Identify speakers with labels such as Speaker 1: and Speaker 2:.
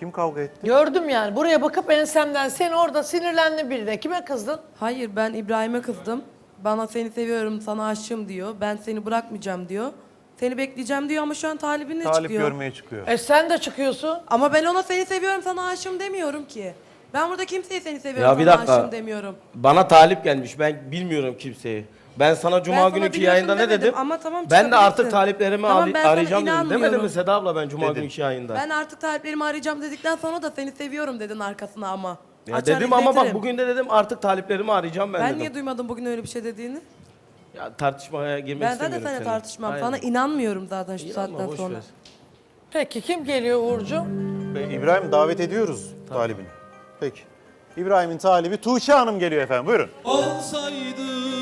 Speaker 1: Kim kavga etti?
Speaker 2: Gördüm yani. Buraya bakıp ensemden sen orada sinirlendin birine. Kime kızdın?
Speaker 3: Hayır, ben İbrahim'e kızdım. Bana seni seviyorum, sana aşığım diyor. Ben seni bırakmayacağım diyor. Seni bekleyeceğim diyor ama şu an talibinle
Speaker 1: Talip
Speaker 3: çıkıyor.
Speaker 1: görmeye çıkıyor.
Speaker 2: Sen de çıkıyorsun.
Speaker 3: Ama ben ona seni seviyorum, sana aşığım demiyorum ki. Ben burada kimseye seni seviyorum,
Speaker 4: Ya bir
Speaker 3: sana
Speaker 4: dakika.
Speaker 3: aşığım demiyorum.
Speaker 4: Bana talip gelmiş. Ben bilmiyorum kimseyi. Ben sana cuma
Speaker 3: Ben sana
Speaker 4: günkü
Speaker 3: biliyorsun
Speaker 4: yayında ne
Speaker 3: demedim
Speaker 4: dedim?
Speaker 3: ama tamam,
Speaker 4: ben de artık
Speaker 3: çıkabilirsin.
Speaker 4: taliplerimi
Speaker 3: Tamam, ben sana
Speaker 4: arayacağım dedim.
Speaker 3: inanmıyorum.
Speaker 4: Demedim mi Seda abla ben cuma
Speaker 1: Dedin.
Speaker 4: günkü yayında?
Speaker 3: Ben artık taliplerimi arayacağım dedikten sonra da seni seviyorum dedin arkasına ama.
Speaker 4: Ya
Speaker 3: Açar
Speaker 4: dedim ama bak
Speaker 3: izletirim.
Speaker 4: bugün de dedim artık taliplerimi arayacağım ben
Speaker 3: Ben
Speaker 4: dedim.
Speaker 3: niye duymadım bugün öyle bir şey dediğini?
Speaker 4: Ya tartışmaya girmek
Speaker 3: Ben zaten
Speaker 4: istemiyorum
Speaker 3: seninle
Speaker 4: seninle.
Speaker 3: tartışmam.
Speaker 4: Aynen.
Speaker 3: Sana inanmıyorum zaten şu
Speaker 4: İnanma,
Speaker 3: saatten
Speaker 4: boş
Speaker 3: sonra.
Speaker 4: ver.
Speaker 2: Peki kim geliyor Uğurcuğum?
Speaker 1: İbrahim davet ediyoruz talibini. Peki. İbrahim'in talibi Tuğçe Hanım geliyor efendim. Buyurun.
Speaker 5: Olsaydı